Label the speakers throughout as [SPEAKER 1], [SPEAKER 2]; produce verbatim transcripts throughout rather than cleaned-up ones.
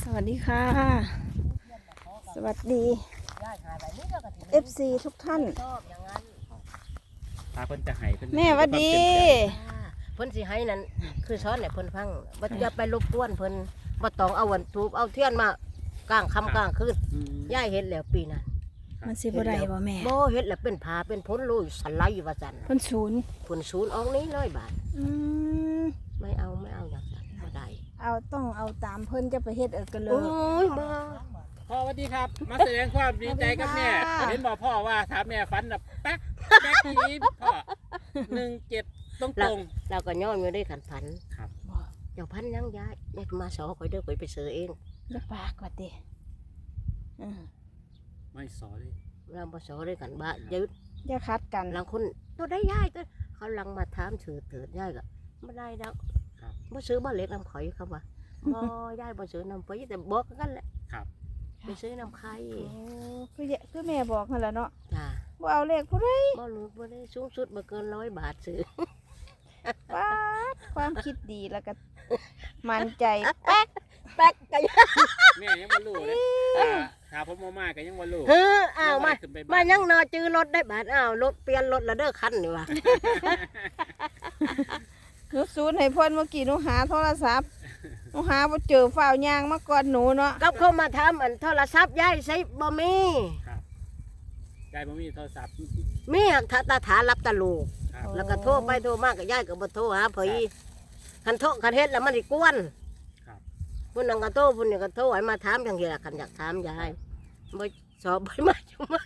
[SPEAKER 1] วัสดีค่ะสวัสดี เอฟ ซี ทุกท่าน
[SPEAKER 2] ถ้าเพิ่นจะให้เพิ่น
[SPEAKER 1] แม่หวัดดี
[SPEAKER 3] เพิ่นสิให้นั่นคือช้อนเนี่ยเพิ่นฟังบ่อย่าไปรบกวนเพิ่นบ่ต้องเอาวันทูบเอาเทียนมากลางค่ำกลางคืนย่ายเฮ็ดแล้วปีนั้น
[SPEAKER 1] มันสิบ่ได้บ่แม่
[SPEAKER 3] บ่เฮ็ดแล้วเป็นผาเป็นพ้นลุยสันไหลว่าซั่น
[SPEAKER 1] เพิ่นศูนย์
[SPEAKER 3] เพิ่นศูนย์ออกนี้ร้อยบาท
[SPEAKER 1] อืม
[SPEAKER 3] ไม่เอาไม่เอาอย่างนั้นบ่ได้
[SPEAKER 1] เอาต้องเอาตามเพิ่นจะไปเฮ็ดเออกันเล
[SPEAKER 3] โอ้
[SPEAKER 1] ย
[SPEAKER 3] ยมา
[SPEAKER 2] พ่อสวัสดีครับ มาแสดงความดีใจกับแม่
[SPEAKER 1] สวัสดีค่ะ
[SPEAKER 2] เห็นบอกพ่อว่าถามแม่ฝันแบบแป๊กแป๊กทีนี้พ่อหนึ่งเจ็ดตรงตรง
[SPEAKER 3] เราก็ย้อนอยู่ได้ขันพัน
[SPEAKER 2] ครับ
[SPEAKER 1] บ่
[SPEAKER 3] เจ้าพันยังย้ายยายมาสอข่อยเด้อข่อยไปซื้อเอง
[SPEAKER 1] อย่าปากว่าติอือ
[SPEAKER 2] ไม่สอเลย
[SPEAKER 3] เราบ่สอด้วยกันบ้าเดี๋ยว
[SPEAKER 1] อย่าคัดกัน
[SPEAKER 3] บางคนตัวได้ย่ายตัวเขาลังมาถามถือเถิดย่ายก็ไม่ได้ดอกบ่ซื้อบ่เล็กน้ำข่อยเขาว่าบ่ย่ายบ่ซื้อน้ำข่อยแต่บอกกันแหละ
[SPEAKER 2] ครับ
[SPEAKER 3] ไปซื้อน้ำไข่
[SPEAKER 1] โอ้คือแยคือแม่บอกนั่นแหละเนาะ
[SPEAKER 3] จ้า
[SPEAKER 1] บ่เอาเลขผู้ใด
[SPEAKER 3] บ่รู้บ่ได้สูงสุดบ่เกินร้อยบาทซื้อ
[SPEAKER 1] ปาดความคิดดีแล้วก็มั่นใจแป๊ก
[SPEAKER 3] แป๊กกัน
[SPEAKER 2] แม่ยังไม่รู้เลยอ่าถ้าผมมามาก็ยังไม่รู้
[SPEAKER 3] เฮ้ออ้าวมา
[SPEAKER 2] ขึ้นไป
[SPEAKER 3] มายังนอจื้อรถได้บาทอ้าวรถเปลี่ยนรถละเด้อคันนี่ว่ะ
[SPEAKER 1] หนูศูนย์ให้เพิ่นเมื่อกี้หนูหาโทรศัพท์หนูหาบ่เจอฝ้าวยางมาก่อนหนูเนาะ
[SPEAKER 3] กับเขามาถามอันโทรศัพท์ย่ายใช้บ่มี
[SPEAKER 2] ครับยายผมมีโทรศัพท์
[SPEAKER 3] มีหักตาตาถารับตะลูก
[SPEAKER 2] ครับ
[SPEAKER 3] แล้วก็โทรไปโทรมาก็ย่ายก็บ่โทรหาเผยคันโทรคันเฮ็ดแล้วมันสิกวน
[SPEAKER 2] ครับ
[SPEAKER 3] พุ่นนั่งก็โทรพุ่นนี่ก็โทรให้มาถามจังซี่ล่ะคันอยากถามยายบ่สอบบ่มาจุมา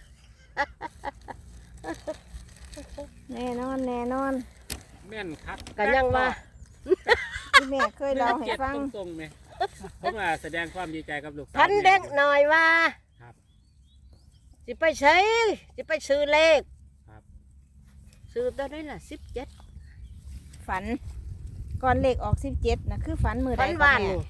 [SPEAKER 1] แน่นอนแน่นอน
[SPEAKER 2] แม่นครับ
[SPEAKER 3] ก็ยังว่า
[SPEAKER 1] ที่แม่เคยเล่าให้
[SPEAKER 2] เจ็ด
[SPEAKER 1] ฟัง
[SPEAKER 2] ตรงๆไหมผมว่าแสดงความดีใจกับลูกสาว
[SPEAKER 3] พันเด็กหน่อยว่า
[SPEAKER 2] ครับ
[SPEAKER 3] สิไปใช้สิไปซื้อเลข
[SPEAKER 2] ครับ
[SPEAKER 3] ซื้อตัวได้ล่ะสิบเจ็ด
[SPEAKER 1] ฝัน ก่อนเลขออกสิบเจ็ดนะคือฝันมือใด
[SPEAKER 3] พัน
[SPEAKER 1] ก็
[SPEAKER 3] วาน
[SPEAKER 1] แม่
[SPEAKER 3] นี่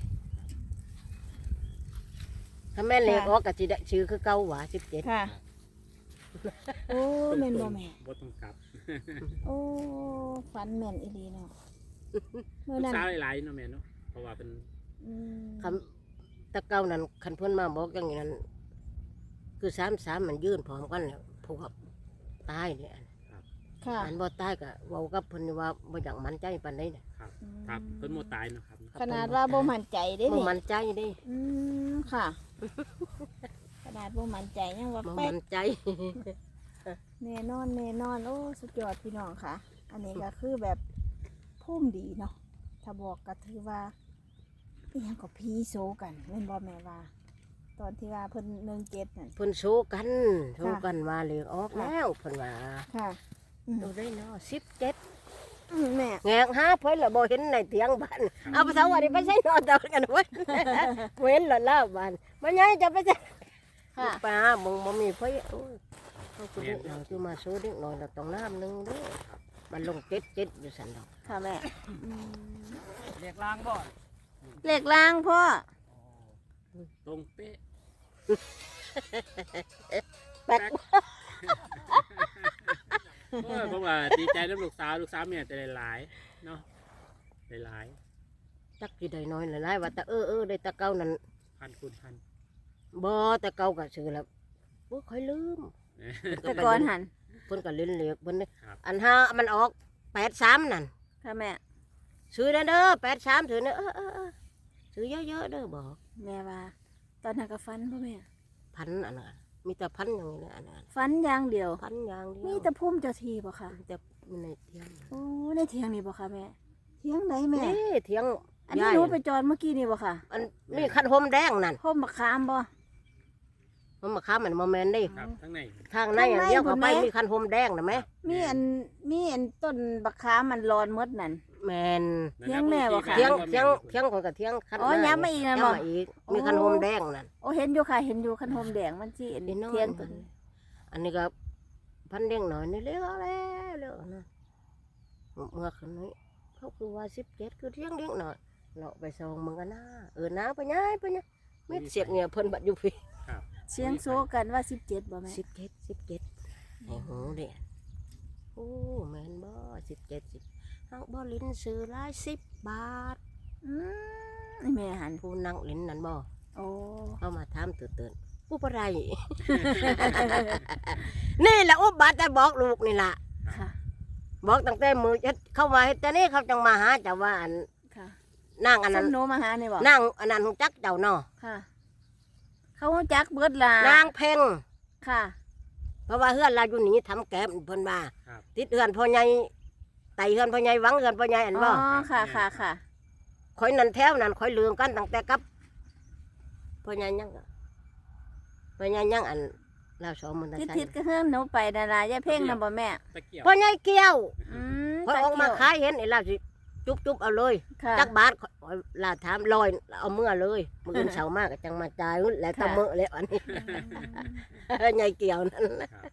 [SPEAKER 3] ถ้าแม่เลขออกก็สิได้ชื่อคือเก่าหว่าสิบเจ็ด
[SPEAKER 1] ค่ะ โอ้แม่นบ่แม่
[SPEAKER 2] บ่ต้องกลับ
[SPEAKER 1] โอ้ฝันแม่นอีหลีเนาะเมื่อ
[SPEAKER 2] ลูก
[SPEAKER 1] นั้น
[SPEAKER 2] สาวหลายๆเนาะแม่เนาะเพราะว่าเป็น
[SPEAKER 1] อืม
[SPEAKER 3] คำตะเก่านั้นคันเพิ่นมาบอกอย่างนั้น คือสามสามมันยื่นพร้อมกันแล้วพวกตายเนี่ย
[SPEAKER 1] ค่ะ
[SPEAKER 3] อันบ่ตายก็เว้ากับเพิ่นว่าบ่อยากมั่นใจปานใดน่ะ
[SPEAKER 2] ครับครับเพิ่นโมตายเนาะครับ
[SPEAKER 1] ขนาดว่าบ่มั่นใจเด้
[SPEAKER 3] บ่
[SPEAKER 1] นี่
[SPEAKER 3] มั่นใจเด้
[SPEAKER 1] อืมค่ะ ขนาดบ่มั่นใจยังว่า
[SPEAKER 3] บ่
[SPEAKER 1] แป๊ก
[SPEAKER 3] มั่นใจ
[SPEAKER 1] แน่นอนแน่นอนโอ้สุดยอดพี่น้องค่ะ อันนี้ก็คือแบบพุ่มดีเนาะถ้าบอกก็ถือว่าอีหยังก็พีโซกันแม่นบ่แม่ว่า ตอนที่ว่าเพิ่นหนึ่งเจ็ดนั่น
[SPEAKER 3] เพิ่นโชกันโชกันว่าเลขออกแล้วเพิ่นว่า
[SPEAKER 1] ค่ะอืม
[SPEAKER 3] ดูได้เนาะสิบเจ็ด
[SPEAKER 1] อืมแม่
[SPEAKER 3] แงกหาเพิ่นละบ่เห็นในเตียงบ้านเอาไปเสาว่าดิไปใส่นอนตอนกันเว้ย เว้นละล่าบ้านมันยังจะไปใส่
[SPEAKER 1] ค่ะ
[SPEAKER 3] ปลาบ่บ่มีไฟโอ้ยเขาคือเด็กน้อยคือมาซื้อเด็กน้อยเราต้องน้ำหนึงเด้อมันลงเจ็ดเจ็ดอยู่สันดอก
[SPEAKER 1] ค่ะแม่
[SPEAKER 2] เรียกล้างบ่
[SPEAKER 1] เลขล่างพ่อ
[SPEAKER 2] ตรงเป๊ะ
[SPEAKER 3] แป๊ก
[SPEAKER 2] โอ้ยผมว่าดีใจน้ำลูกสาวลูกสาวแม่แต่หลายๆเนาะหลาย
[SPEAKER 3] จักสิได้น้อยหลายๆว่าแต่เออเออได้แตะเก่านั่น
[SPEAKER 2] ๆพันคูณพัน
[SPEAKER 3] บ่แต่เก่าก็ซื้อแล้วบ่ค่อยลืม
[SPEAKER 1] แต่ก่อนหัน
[SPEAKER 3] เพิ่นก็เล่นเหล็กเพิ่นนี่
[SPEAKER 2] ครับ
[SPEAKER 3] อันห้ามันออกแปดสามนั่น
[SPEAKER 1] ค่ะแม่
[SPEAKER 3] ซื้อเด้อเด้อแปดสามถือเด้อเออเออเออซื้อเยอะๆเด้อบอก
[SPEAKER 1] แม่ว่า ตอนนั้นก็ฟันพ่อแม่
[SPEAKER 3] พันอันนั้นมีแต่พันอย่างนี้นะอันนั้น
[SPEAKER 1] ฟันอย่างเดียว
[SPEAKER 3] พันอย่างเดียว
[SPEAKER 1] มีแต่พุ่มเจ้าทีบ่ค่ะ
[SPEAKER 3] แต่มีในเทียง
[SPEAKER 1] โอ้ในเถียงนี่บ่ค่ะแม่เถียงไหนแม่
[SPEAKER 3] นี่เทียง
[SPEAKER 1] อันนี้
[SPEAKER 3] ยาย
[SPEAKER 1] หนูไปจอดเมื่อกี้นี่บ่ค่ะ
[SPEAKER 3] อันนี่คันโฮมแดงนั่น
[SPEAKER 1] พ่มมะขามบ่
[SPEAKER 3] มันมาค้ามันโมเมนต์นี่
[SPEAKER 2] ครับทั้งใน
[SPEAKER 3] ทางในอย่างเดียวเข้าไป
[SPEAKER 1] ข้างใน
[SPEAKER 3] มีคันโฮมแดงนะไหม
[SPEAKER 1] มีอันมีอันต้นบักขามมันร้อนหมดนั่น
[SPEAKER 3] แมน
[SPEAKER 1] เถียงแม่บ่คะ
[SPEAKER 3] เทียงเทียงเทียงคนกับเทียงคัน
[SPEAKER 1] อ๋อย้ำมาอีกนั่นบ่
[SPEAKER 3] ย้ำมาอีกมีคันโฮมแดงนั่น
[SPEAKER 1] โอ้เห็นอยู่ค่ะเห็นอยู่คันโฮมแดงมันสิอัน
[SPEAKER 3] นี่น้อย
[SPEAKER 1] เถียงตัวนี้
[SPEAKER 3] อันนี้ก็พันเด้งหน่อยนี่เลี้ยวแล้วเลี้ยวนะเมื่อคืนนี้เขาคือว่าสิบเจ็ดคือเที่ยงเด้งหน่อยเราไปส่งมึงกันนะเออน้าไปย้ายไปย้ายมิดเสียกเนี่ยเพิ่นบัดอยู่พี่
[SPEAKER 2] ครับ
[SPEAKER 1] เสียงโซกันว่าสิบเจ็ดบ่แม่
[SPEAKER 3] สิบเจ็ดสิบเจ็ดไอ้หูเด่นโอ้แม่นบ่สิบเจ็ดสิบเอาบ่ลิ้นซื้อหลายสิบบาท
[SPEAKER 1] อืมนี่แม่หัน
[SPEAKER 3] ผู้นั่งลิ้นนั่นบ่
[SPEAKER 1] โอ้
[SPEAKER 3] เอามาถามตื่นๆอุปไร นี่แหละอุบัติแต่บอกลูกนี่ล่ะ
[SPEAKER 1] ค่ะ
[SPEAKER 3] บอกตั้งแต่มือเฮ็ดเข้ามาเฮ็ดแต่นี่เขาจังมาหาเจ้าว่าอัน
[SPEAKER 1] ค่ะ
[SPEAKER 3] นางอันนั้น
[SPEAKER 1] สมโนมาหานี่บ่
[SPEAKER 3] นางอันนั้นฮู้จักเจ้าเนาะ
[SPEAKER 1] ค่ะ เขารู้จักเบิดล่ะ
[SPEAKER 3] นางเพ่ง
[SPEAKER 1] ค่ะ
[SPEAKER 3] เพราะว่าเฮือนเราอยู่นี่ทำแก้มเพิ่นว่า
[SPEAKER 2] ครับ
[SPEAKER 3] ติดเฮือนพ่อใหญ่ไต่เฮือนพ่อใหญ่หวังเฮือนพ่อใหญ่อัน
[SPEAKER 1] อ๋
[SPEAKER 3] บ่
[SPEAKER 1] อค่ะค่ะค่ะ
[SPEAKER 3] ข่อยนั่นแถวนั้นข่อยลืมกันตั้งแต่กับพ่อใหญ่ยังก็พ่อใหญ่ยังอันเราสองมันได้
[SPEAKER 1] ทิศ
[SPEAKER 3] ใช่
[SPEAKER 1] ทิศก็เฮิ่มหนูไปดารายายเพ่งนำบ่แม่
[SPEAKER 2] ตะเกียบ
[SPEAKER 3] พ่อใหญ่เกี้ยว
[SPEAKER 1] อืม
[SPEAKER 3] ข่อยออกมาขายเห็นไอ้เราสิจุบจุบเอาเลย
[SPEAKER 1] ค่ะ
[SPEAKER 3] จักบาทข่อยลาถามลอยเอาเมื่อเลยมื้ออื่นเช้ามากก็จังมาจ่ายแล้วแตะมื้อแล้วอันนี้ ใหญ่เกี่ยวนั่นแหละ
[SPEAKER 2] ครับ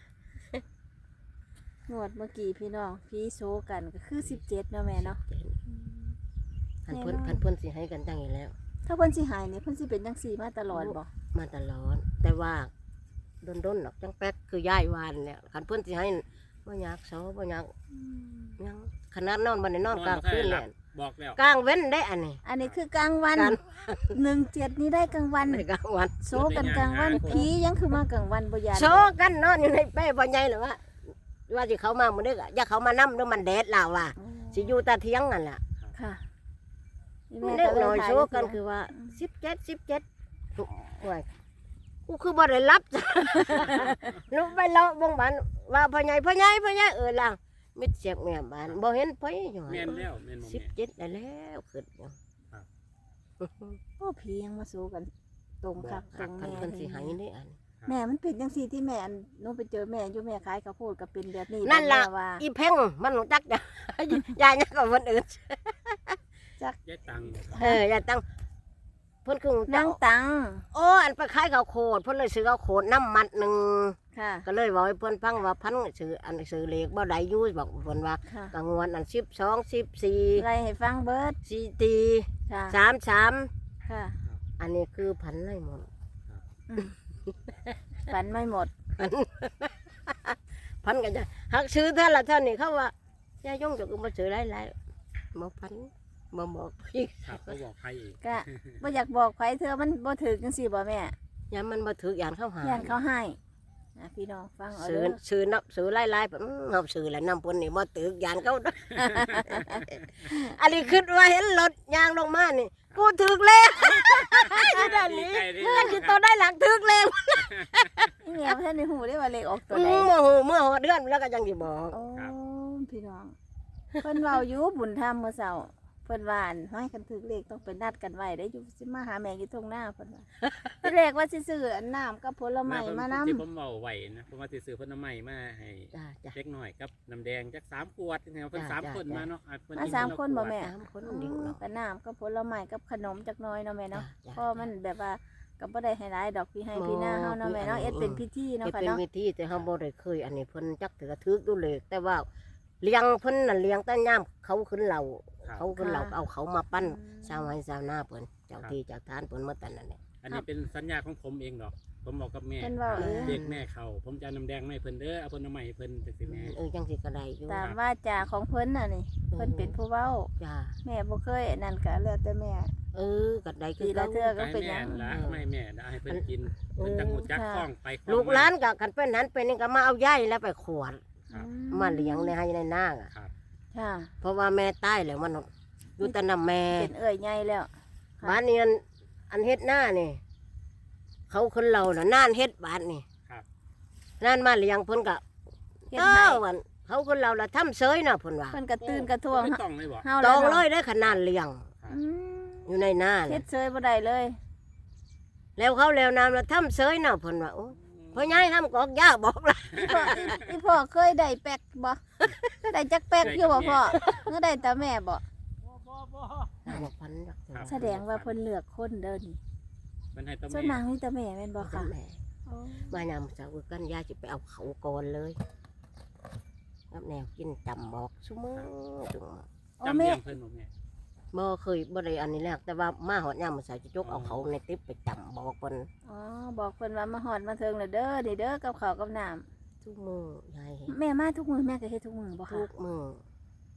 [SPEAKER 1] งวดเมื่อกี้พี่น้องพี่โซกันก็คือสิบเจ็ดเนาะแม่เนาะ
[SPEAKER 3] พันเพิ่นพันเพิ่นสิให้กันจังอยู่แล้ว
[SPEAKER 1] ถ้าเพิ่นสิหายนี่เพิ่นสิเป็นจังซี่มาตลอดบ่
[SPEAKER 3] มาตลอดแต่ว่าโดนๆดอกจังแป๊กคือย่ายวานเนี่ยคันเพิ่นสิให้บ่อยากเซาบ่อยากหยังขนาดนอนบ่ได้นอนกลางคืน
[SPEAKER 2] ห
[SPEAKER 3] แห
[SPEAKER 2] ลั
[SPEAKER 3] ละ
[SPEAKER 2] บบอกแล้ว
[SPEAKER 3] กลางเว้นได้อันนี้
[SPEAKER 1] อันนี้คือกลางวัน
[SPEAKER 3] กลาง
[SPEAKER 1] หนึ่งเจ็ดนี่ได้กลางวัน
[SPEAKER 3] ในกลางวัน
[SPEAKER 1] โซกันกลางวันผียังคือมากลางวันบ่ยาน
[SPEAKER 3] โชกันนอนอยู่ในเป้บ่ใหญ่หรอวะว่าสิเขามามื้อนี้ก็อย่าเขามานำเด้อมันแดดลาวว่า
[SPEAKER 1] โอ้
[SPEAKER 3] สิอยู่ตาเที่ยงนั่นล่ะ
[SPEAKER 1] ค่ะ
[SPEAKER 3] เด็กน้อยโช
[SPEAKER 1] ถ่า
[SPEAKER 3] กัน
[SPEAKER 1] ยู่
[SPEAKER 3] คือว่าสิบเจ็ด สิบเจ็ดโอ้ยกูคือบ่ได้รับ จ้ะ ลูกไปเลาะบงบ้านว่าพ่อใหญ่พ่อใหญ่พ่อใหญ่เออล่ะมิดเสียกแม่บ้านบ่เห็นไผอยู่
[SPEAKER 2] แม่นแล้วแม่นบ่
[SPEAKER 3] สิบ
[SPEAKER 2] แม่
[SPEAKER 3] เจ็ดได้แล้วขึ้นอยู่
[SPEAKER 1] โอ้ผียังมาโซกันตรงคักตรง
[SPEAKER 3] คัน
[SPEAKER 1] แม่
[SPEAKER 3] เพิ่นสิให้นี่อัน
[SPEAKER 1] แม่มันเป็นจังซี่ที่แม่อันหนูไปเจอแม่อยู่แม่ขายข้าวโพดก็เป็นแบบนี้
[SPEAKER 3] นั่นล่ะ
[SPEAKER 1] แม่ว่า
[SPEAKER 3] อีเพ่งมันรู้จักจ้ะ ยายเนี่ยกับคนอื่น
[SPEAKER 2] ยายตังค์
[SPEAKER 3] เออยายตั้งเพิ่นคือรู้จั
[SPEAKER 1] นาก งตัง
[SPEAKER 3] โอ้อันไปขายข้าวโพดเพิ่นเลยซื้อข้าวโพดน้ำมัดหนึง
[SPEAKER 1] ค่ะ
[SPEAKER 3] ก็เลยบอกให้เพิ่นฟังว่าพันซื้ออันซื้อเลขบ่ได้อยู่บอกเพิ่นว่า
[SPEAKER 1] ค่ะ
[SPEAKER 3] กลางวันอันสิบสองสิบสี่
[SPEAKER 1] ไล่ให้ฟังเบิด
[SPEAKER 3] สี่ตี
[SPEAKER 1] ค่ะ
[SPEAKER 3] สามสาม
[SPEAKER 1] ค่ะ
[SPEAKER 3] อันนี้คือพันไรหมด
[SPEAKER 1] ฝันไม่หมด
[SPEAKER 3] พัน พันกันจะหักซื้อเท่าละเท่านี้เขาว่ายายยงจะก็มาซื้อหลายๆบ่พันบ่บอกพี่
[SPEAKER 2] ครับเขาบอกใครอีก
[SPEAKER 1] ก็บ่อยากบอกใครเธอมันบ่ถึกจังซี่บ่แม่
[SPEAKER 3] ยามมันมาถืออย่างเข้าหา
[SPEAKER 1] ย่านเขาให้นะพี่น้องฟังเอา
[SPEAKER 3] ซื้อ
[SPEAKER 1] เด้อ
[SPEAKER 3] ซื้อนับซื้อหลายๆแบบเอาซื้อแล้วนำปนนี่มาถืออย่างเขา ด้วย อันนี้คิดว่าเห็นรถยางลงมานี่กูถือแล้ว อยู่ด้านนี้
[SPEAKER 2] ดีใจดิ
[SPEAKER 3] เพื่อนที่ตัวได้หลังถือแล้ว
[SPEAKER 1] นี่แม่เพิ่นได้ฮู้ได้ว่าเลขออกตัว
[SPEAKER 3] อื
[SPEAKER 1] ใด
[SPEAKER 3] มโมโหเมื่อหอเดือนแล้วก็ยังสิบอก
[SPEAKER 1] โอ้พี่น้องเพิ่นเว้าอยู่บุญธรรมเมื่อเช้าเพิ่นว่าอันให้กันถึกเลขต้องไปนัดกันไว้ได้อยู่สิมาหาแม่อยู่ตรงหน้าเพิ่นว่าที่แรกว่าสิซื้ออันน้ำกับผลไม้มานำ
[SPEAKER 2] ที่ผมเบาไหวนะผมว่าสิซื้อผลไม้มาให้
[SPEAKER 3] จ้าจ้า
[SPEAKER 2] เล็กหน่อยกับน้ำแดงจักสามขวดเนี่ยเพิ่น
[SPEAKER 3] จ้ะ
[SPEAKER 2] สาม
[SPEAKER 3] จ้ะ
[SPEAKER 2] คน
[SPEAKER 3] จ้ะ
[SPEAKER 2] มาเนาะอ่ะเพิ่
[SPEAKER 1] มา
[SPEAKER 2] กิ
[SPEAKER 1] สาม
[SPEAKER 2] ละ
[SPEAKER 1] คนบ่
[SPEAKER 2] ขวด
[SPEAKER 1] แม่
[SPEAKER 3] สามคนดิ่งเนาะ
[SPEAKER 1] กับน้ำกับผลไม้กับขนมจักหน้อยเนาะแม่เนาะ
[SPEAKER 3] จ้ะ
[SPEAKER 1] เพราะมันแบบว่าก็บ่ได้ให้หลายดอกพี่ให้พี่หน้าเฮาเนาะแม่เนาะ
[SPEAKER 3] อืม
[SPEAKER 1] เอ็ดเป็นพิธีเนาะ
[SPEAKER 3] เฮ็ด
[SPEAKER 1] ค่ะ
[SPEAKER 3] เป็น
[SPEAKER 1] เนาะ
[SPEAKER 3] วิธีแต่เฮาบ่ได้เคยอันนี้เพิ่นจักถือถือดูเลยแต่ว่าเลี้ยงเพิ่นน่ะเลี้ยงแต่ย่ามเขาขึ้นเหล่า
[SPEAKER 2] ครับ
[SPEAKER 3] เขาขึ้นเหล่าเอาเขามาปั้นชาวไร่ชาวนาเพิ่นเจ้าที่เจ้าทานเพิ่นมาแต่นั่นแหละ
[SPEAKER 2] อันนี้เป็นสัญญาของผมเองดอก ผมบอกกับแม่
[SPEAKER 1] เพิ่นเว้าเอง
[SPEAKER 2] เรียกแม่เขาผมจะเอาน้ำแดงมาให้เพิ่นเด้อเอาผลไม้ให้เพิ่นจังซี่แม่
[SPEAKER 3] เออจังสิก็ได้อยู่
[SPEAKER 1] ตามว่าจาของเพิ่นน่ะนี่เพิ่นเป็นผู้เว้า
[SPEAKER 3] จ้า
[SPEAKER 1] แม่บ่เคยอันนั่นก็แล้วแต่แม่
[SPEAKER 3] เออก็ได้คื
[SPEAKER 1] ปี
[SPEAKER 3] อ
[SPEAKER 1] ละ
[SPEAKER 3] เก่า
[SPEAKER 1] เทื่อก็
[SPEAKER 2] ให้
[SPEAKER 1] เป็นห
[SPEAKER 2] แม่
[SPEAKER 1] ยัง
[SPEAKER 2] ละไม่แม่ละให้เพิ่นกิน
[SPEAKER 3] เออ
[SPEAKER 2] เพิ่นจังหูจัก
[SPEAKER 1] ค่ะ
[SPEAKER 2] คล้องไปคอง
[SPEAKER 3] ลูกหลานก็กันเป็นนั้นเป็นนี่ก็มาเอาย่ายแล้วไปขวด
[SPEAKER 2] ครับ
[SPEAKER 1] อื
[SPEAKER 3] มาเลี้ยงในให้ในนาอ่ะ
[SPEAKER 2] ครับ
[SPEAKER 1] ค่ะ
[SPEAKER 3] เพราะว่าแม่ตายแล้วมันอยู่แต่น้ำแม่
[SPEAKER 1] เป็นเอ้ยใหญ่แล้ว ค่ะ
[SPEAKER 3] บ้านนี้อันอันเฮ็ดหน้านี่เขาคนเราน่ะนานเฮ็ดบ้านนี่
[SPEAKER 2] ครับ
[SPEAKER 3] นานมาเลี้ยงเพิ่นก็
[SPEAKER 1] เฮ็ด
[SPEAKER 3] เอ้า
[SPEAKER 1] ให้
[SPEAKER 3] วันเขาคนเราละทำเสยน่ะเพิ่นว่า
[SPEAKER 1] เพิ่นก็ตื่นกระท่วง
[SPEAKER 2] ไม่ต้องเลยบ่
[SPEAKER 1] เฮา
[SPEAKER 3] ต
[SPEAKER 1] แล้
[SPEAKER 3] อ
[SPEAKER 1] ว
[SPEAKER 3] งเล
[SPEAKER 1] เนาะ
[SPEAKER 3] ยได้ขนาดเลี้ยง
[SPEAKER 1] อืม
[SPEAKER 3] อยู่ในหน้า
[SPEAKER 1] เฮ็
[SPEAKER 3] น่ะ
[SPEAKER 1] ดเซยบ่ได้เลย
[SPEAKER 3] แล้วเขาแล้วน้ำละทำเสยน่ะเพิ่นว่าโอ้พ่อใหญ่ทำกอกยาบอกละ
[SPEAKER 1] พ่ออีพ่อเคยได้แป๊กบ่ได้จักแป๊กอยู่บ่พ่อเมื่อได้แต่แม่บ่
[SPEAKER 3] บอกพันจักเถอะ
[SPEAKER 1] แสดงว่าเพิ่นเลือกคนเด้อนี่
[SPEAKER 2] มันให้ตัว
[SPEAKER 1] ส่วน
[SPEAKER 2] แม่
[SPEAKER 1] นางมีแต่แม่แม่นบ่ค่ะ
[SPEAKER 3] แม่มายามเช้ากันยาสิไปเอาเขาก่อนเลยกับแนวกินจำบอกซุมื้อจุง
[SPEAKER 1] โอ้
[SPEAKER 2] จำ
[SPEAKER 1] แม่
[SPEAKER 2] เลี้ยงเพิ่นบ่แม่
[SPEAKER 3] บ่เคยบ่ได้อันนี้แรกแต่ว่ามาหอดยามมื้อเช้าจะจกเอาเขาในติ๊บไปจำบอกเพิ่น
[SPEAKER 1] อ๋อบอกเพิ่นว่ามาฮอดมาถึงแล้วเด้อนี่เด้อกับข้าวกับน้ำ
[SPEAKER 3] ทุกมื้อยายเห็น
[SPEAKER 1] แม่มาทุกมื้อแม่ก็เฮ็ดทุกมื้อบ่
[SPEAKER 3] ทุ
[SPEAKER 1] ค่ะ
[SPEAKER 3] กมื้อ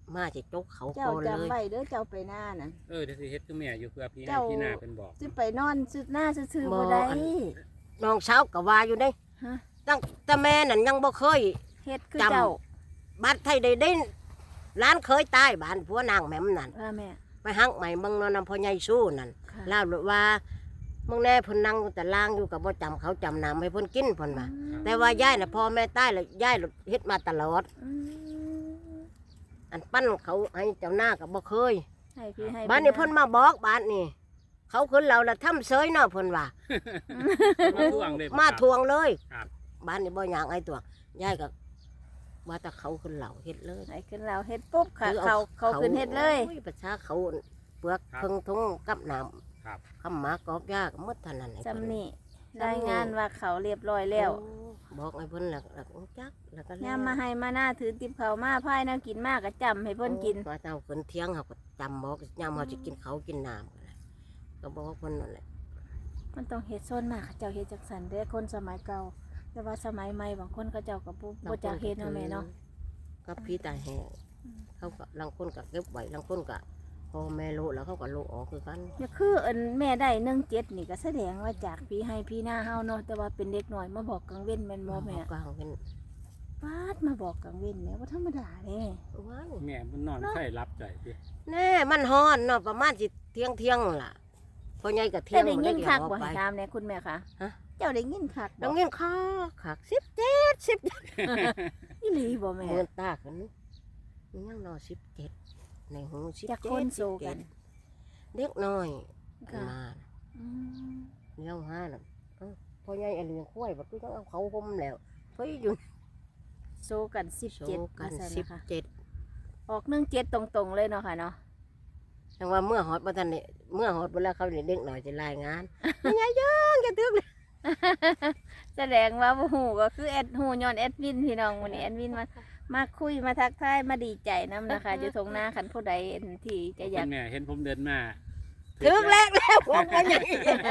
[SPEAKER 3] มาสิจกเขา
[SPEAKER 1] เจ้า
[SPEAKER 3] ก่อนเล
[SPEAKER 1] จำ
[SPEAKER 3] ย
[SPEAKER 1] ไว้เด้อเจ้าไปหน้านั่น
[SPEAKER 2] เออเดี๋ยวสิเฮ็ดคือแม่อยู่เพื่อพี่ให้
[SPEAKER 1] เจ้า
[SPEAKER 2] พี่หน้าเป็นบอก
[SPEAKER 1] สิไปนอนสุดหน้าซื่อๆบ่ได้
[SPEAKER 3] น้องสาวก็ว่าอยู่เด้
[SPEAKER 1] ฮะ
[SPEAKER 3] ตั้งแต่แม่นั่นยังบ่เคย
[SPEAKER 1] เฮ็ดคือ
[SPEAKER 3] จำ
[SPEAKER 1] เจ้า
[SPEAKER 3] บ้านไทยได้ได้ร้านเคยตายบ้านผัวนางแหม่มนั่น
[SPEAKER 1] ว่าแม่
[SPEAKER 3] ไปหักใหม่เบิ่งเนาะนำพ่อใหญ่สู้นั่น
[SPEAKER 1] ค่ะ
[SPEAKER 3] เล่าว่ามึงแน่เพิ่นนั่งแต่ล่างอยู่กับบ่จำเขาจำน้ำให้เพิ่นกินเพิ่นว่าแต่ว่ายายน่ะพ่อแม่ตายแล้วยายเฮ็ดมาตลอด
[SPEAKER 1] อืม
[SPEAKER 3] อันปั้นเขาให้เจ้าหน้าก็บ่เคย
[SPEAKER 1] ให้พี่ให้
[SPEAKER 3] บ้านนี้เพิ่นมาบอกบ้านนี้เขาขึ้นเราละทำเสยเนาะเพิ่นว่า
[SPEAKER 2] มาทวงเลย
[SPEAKER 3] มาทวงเลย
[SPEAKER 2] ครับ
[SPEAKER 3] บ้านนี้บ่อย่างไอ้ตัวยายก็ว่าแต่เขาขึ้นเหล่าเฮ็ดเลย
[SPEAKER 1] ให้ขึ้นเราเฮ็ดปุ๊บค่ะ
[SPEAKER 3] คือ
[SPEAKER 1] เขาเขาขึ้นเฮ็ดเลย
[SPEAKER 3] โอ้ประชาเขาเปลือกเพิ่งทงกับน้
[SPEAKER 2] ครับ
[SPEAKER 3] ำคำหมากอกยากหมดเท่านั้นไอ้เพิ่
[SPEAKER 1] จำนี่รายงานว่าเขาเรียบร้อยแล้ว
[SPEAKER 3] โอ้บอกไอ้เพิ่นแล้วแล้วก็จักแล้วก็แล้ว
[SPEAKER 1] ยามมาให้มาหน้าถือติบเขามาพายแนวกินมากก็จำให้เพิ่นกิน
[SPEAKER 3] ว่าเจ้าขึ้นเที่ยงเขาก็จำบอกยามเขาจะกินเขาวกินน้ำก็เลยก็บอกเพิ่นนั่นแหละ
[SPEAKER 1] มันต้องเฮ็ดโซนมากเขาเจ้าเฮ็ดจักสันเด้อคนสมัยเก่า แต่ว่าสมัยใหม่บางคนเขาเจ้าก็บ่บ่จักเฮ็ดเนาะแม่เนาะ
[SPEAKER 3] กับพี่ตาแห้ง
[SPEAKER 1] อืม
[SPEAKER 3] เขาก็ลังคนก็เก็บไว้ลังคนก็พอแม่โลแล้วเขาก็โลออกคือกัน
[SPEAKER 1] อย่าคืออันแม่ได้หนึ่งเจ็ดนี่ก็แสดงว่าจากพี่ให้พี่หน้าเฮาเนาะแต่ว่าเป็นเด็กน้อยมาบอกกลางเว้นแม่นบ่แม่
[SPEAKER 3] กลางเป็น
[SPEAKER 1] ปาดมาบอกกลางเว้นแม่บ่ธรรมดาเด้
[SPEAKER 3] ว้าย
[SPEAKER 2] แม่มันนอนใส่รับใจสิ
[SPEAKER 3] แน่มันฮ้อนเนาะประมาณสิเที่ยงเที่ยงล่ะพอใหญ่ก็เที่ย
[SPEAKER 1] เจ้าง ได้
[SPEAKER 3] บ่
[SPEAKER 1] ยิ
[SPEAKER 3] ได้
[SPEAKER 1] น
[SPEAKER 3] เกี่ย
[SPEAKER 1] คั
[SPEAKER 3] ว
[SPEAKER 1] ก
[SPEAKER 3] ออก
[SPEAKER 1] บ่
[SPEAKER 3] ไป
[SPEAKER 1] ให้ถามแน่คุณแม่คะ
[SPEAKER 3] ฮะ
[SPEAKER 1] เจ้าได้ยินคัก
[SPEAKER 3] ดั
[SPEAKER 1] บ่
[SPEAKER 3] งเงี้ยข้าขักสิบเจ็ดสิบ
[SPEAKER 1] อีหลีบ่แม่
[SPEAKER 3] เงินตากันนี่ยังรอสิบเจ็ดในหูสิบ
[SPEAKER 1] จาก
[SPEAKER 3] เจ็
[SPEAKER 1] คน
[SPEAKER 3] ด
[SPEAKER 1] โซ
[SPEAKER 3] สิบ
[SPEAKER 1] กั
[SPEAKER 3] เจ็
[SPEAKER 1] น
[SPEAKER 3] ดเด็กน้อย
[SPEAKER 1] ค่ะ
[SPEAKER 3] มา
[SPEAKER 1] อืม
[SPEAKER 3] เลี้ยวห้าน่ะเอ้าพอใหญ่อันเลี้ยงควายบัดนี้ต้องเอาเขาห่มแล้วเฮ้ยอยู่
[SPEAKER 1] โซกันสิบ
[SPEAKER 3] โช
[SPEAKER 1] เจ็ด
[SPEAKER 3] ว์กัน
[SPEAKER 1] ว่าซั่น
[SPEAKER 3] สิบ
[SPEAKER 1] นะคะ
[SPEAKER 3] เจ็ด
[SPEAKER 1] ออกหนึ่งเจ็ดตรงๆเลยเนาะค่ะเนาะ
[SPEAKER 3] จังว่าเมื่อหอดมาทันเนี่ยเมื่อหอดเวลาเขาเนี่ยเด็กหน่อยจะรายงานยังไงยังจะตึกเลย
[SPEAKER 1] แสดงว่าบ่ฮู้ก็คือแอดฮู้ย้อนแอดมินพี่น้องวันนี้แอดมินมามาคุยมาทักทายมาดีใจนํนะคะ อยู่ตรงหน้าคันผู้ใดที่จะอยาก
[SPEAKER 2] คุณแม่เห็นผมเดินมา
[SPEAKER 3] ถึกแรกแล้วผมก็ยัง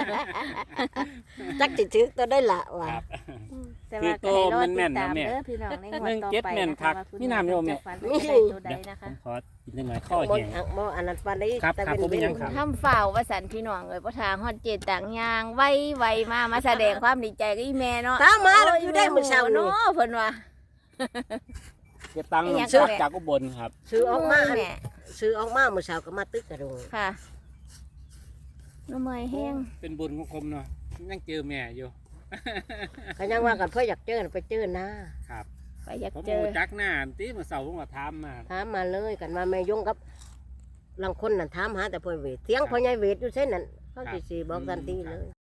[SPEAKER 3] จักจิถึกตัวได้ละว่ะ
[SPEAKER 2] ครับ
[SPEAKER 1] แต่ว่าก็ให้รอติดตามเด้อพี่น้องในงวดต่อไป
[SPEAKER 2] หนึ่งเจ็ดแม่น
[SPEAKER 1] นะ
[SPEAKER 2] คั
[SPEAKER 1] คะ
[SPEAKER 2] ก
[SPEAKER 1] ว่าคุณ
[SPEAKER 2] มีน้ำโยมเนี่ย
[SPEAKER 1] จะฝันเป็นตัวใดนะคะ
[SPEAKER 2] ผมขอกินหน่อยข้อ
[SPEAKER 3] บ่
[SPEAKER 2] แห้ง
[SPEAKER 3] บ่อันนั้นปานนี้
[SPEAKER 2] ครับ
[SPEAKER 3] แต่
[SPEAKER 2] ครับ
[SPEAKER 3] เป็น
[SPEAKER 2] ผมเป็นหยังครับ
[SPEAKER 1] ทำฝ่าวว่าสันพี่น้องเอ้ยบ่ทางฮอดเจดต่างยางไว้ไวมามาแสดงความดีใจกับอีแม่เนาะ
[SPEAKER 3] ตามมาแล้วอยู่ได้มื้อเช้า
[SPEAKER 1] โย
[SPEAKER 3] นี่
[SPEAKER 1] เนาะเพิ่นว่า
[SPEAKER 2] เก็บตังค์
[SPEAKER 1] อีหยัง
[SPEAKER 2] ซื้อ
[SPEAKER 1] ก็แม่
[SPEAKER 2] จากอุบลครับ
[SPEAKER 3] ซื้อออกมาอัน
[SPEAKER 1] แม่
[SPEAKER 3] ซื้อออกมาเมื่อเช้าก็มาตึกกระโดง
[SPEAKER 1] ค่ะน้ำเมยแห้ง
[SPEAKER 2] เป็นบุญของผมเนาะยังเจอแม่อยู่
[SPEAKER 3] ก็ยังว่ากันเพื่ออยากเจอน่ะไปเจอหน้า
[SPEAKER 2] ครับ
[SPEAKER 1] ไปอยาก
[SPEAKER 2] ผม
[SPEAKER 1] เจอ
[SPEAKER 2] รู้จักหน้าตีเมื่อเสาร์ผมก็ถามมา
[SPEAKER 3] ถามมาเลยกันว่าแม่ยงกับลังคนนั่นถามหาแต่พ่อเวทเสียงพ่อใหญ่เวทอยู่เส้นนั้นเขาสิสิบอกทันทีเลย